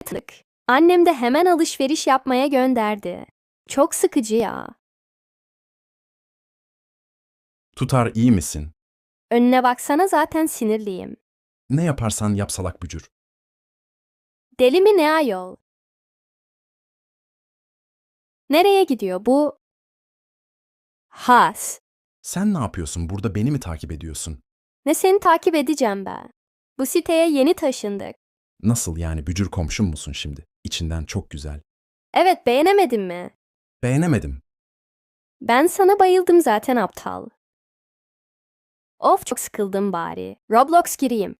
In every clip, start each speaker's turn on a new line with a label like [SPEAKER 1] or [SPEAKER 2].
[SPEAKER 1] artık. Annem de hemen alışveriş yapmaya gönderdi. Çok sıkıcı ya.
[SPEAKER 2] Tutar iyi misin?
[SPEAKER 1] Önüne baksana zaten sinirliyim.
[SPEAKER 2] Ne yaparsan yap salak bücür.
[SPEAKER 1] Deli mi ne ayol? Nereye gidiyor bu? Has.
[SPEAKER 2] Sen ne yapıyorsun? Burada beni mi takip ediyorsun?
[SPEAKER 1] Ne seni takip edeceğim ben. Bu siteye yeni taşındık.
[SPEAKER 2] Nasıl yani bücür komşum musun şimdi? İçinden çok güzel.
[SPEAKER 1] Evet, beğenemedin mi?
[SPEAKER 2] Beğenemedim.
[SPEAKER 1] Ben sana bayıldım zaten aptal. Of çok sıkıldım bari. Roblox gireyim.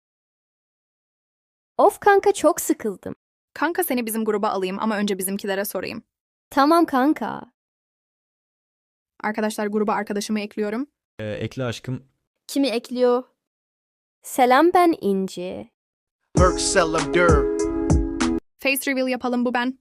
[SPEAKER 1] Of kanka çok sıkıldım.
[SPEAKER 3] Kanka seni bizim gruba alayım ama önce bizimkilere sorayım.
[SPEAKER 1] Tamam kanka.
[SPEAKER 3] Arkadaşlar gruba arkadaşımı ekliyorum.
[SPEAKER 4] Ekle aşkım.
[SPEAKER 5] Kimi ekliyor?
[SPEAKER 1] Selam ben İnci.
[SPEAKER 6] Perk seller dur.
[SPEAKER 3] Face reveal yapalım bu ben.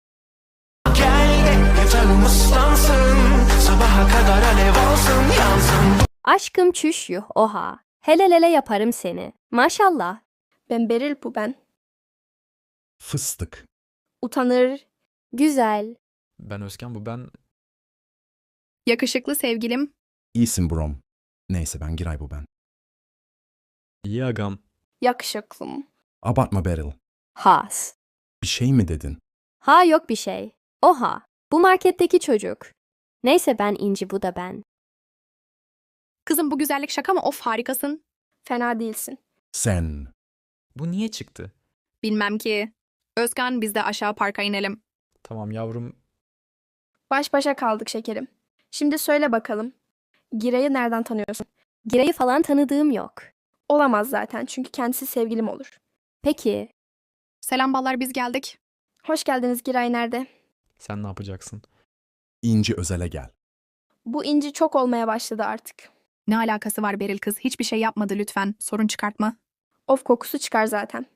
[SPEAKER 6] Canım ıslansın. Sabaha kadar alev olsun yansın.
[SPEAKER 1] Aşkım çüş yuh oha. Helelele yaparım seni. Maşallah.
[SPEAKER 5] Ben Beril bu ben.
[SPEAKER 2] Fıstık.
[SPEAKER 5] Utanır.
[SPEAKER 1] Güzel.
[SPEAKER 4] Ben Özkan, bu ben.
[SPEAKER 3] Yakışıklı sevgilim.
[SPEAKER 2] İyisin brom. Neyse ben Giray bu ben.
[SPEAKER 4] İyi agam.
[SPEAKER 5] Yakışıklım.
[SPEAKER 2] Abartma Beryl.
[SPEAKER 1] Has.
[SPEAKER 2] Bir şey mi dedin?
[SPEAKER 1] Ha yok bir şey. Oha. Bu marketteki çocuk. Neyse ben İnci bu da ben.
[SPEAKER 3] Kızım bu güzellik şaka mı? Of harikasın.
[SPEAKER 5] Fena değilsin.
[SPEAKER 2] Sen.
[SPEAKER 4] Bu niye çıktı?
[SPEAKER 3] Bilmem ki. Özkan biz de aşağı parka inelim.
[SPEAKER 4] Tamam yavrum.
[SPEAKER 5] Baş başa kaldık şekerim. Şimdi söyle bakalım. Giray'ı nereden tanıyorsun?
[SPEAKER 1] Giray'ı falan tanıdığım yok.
[SPEAKER 5] Olamaz zaten çünkü kendisi sevgilim olur.
[SPEAKER 1] Peki.
[SPEAKER 3] Selam ballar biz geldik.
[SPEAKER 5] Hoş geldiniz Giray nerede?
[SPEAKER 4] Sen ne yapacaksın?
[SPEAKER 2] İnci özele gel.
[SPEAKER 5] Bu inci çok olmaya başladı artık.
[SPEAKER 3] Ne alakası var Beril kız? Hiçbir şey yapmadı lütfen. Sorun çıkartma.
[SPEAKER 5] Of kokusu çıkar zaten.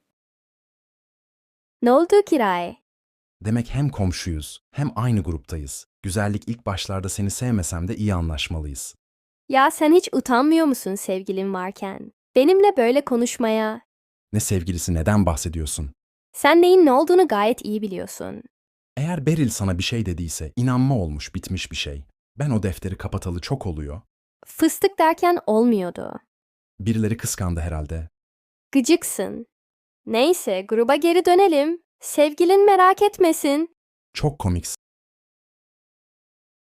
[SPEAKER 1] Ne oldu Giray?
[SPEAKER 2] Demek hem komşuyuz hem aynı gruptayız. Güzellik ilk başlarda seni sevmesem de iyi anlaşmalıyız.
[SPEAKER 1] Ya sen hiç utanmıyor musun sevgilin varken? Benimle böyle konuşmaya.
[SPEAKER 2] Ne sevgilisi neden bahsediyorsun?
[SPEAKER 1] Sen neyin ne olduğunu gayet iyi biliyorsun.
[SPEAKER 2] Eğer Beril sana bir şey dediyse inanma olmuş bitmiş bir şey. Ben o defteri kapatalı çok oluyor.
[SPEAKER 1] Fıstık derken olmuyordu.
[SPEAKER 2] Birileri kıskandı herhalde.
[SPEAKER 1] Gıcıksın. Neyse gruba geri dönelim. Sevgilin merak etmesin.
[SPEAKER 2] Çok komiksin.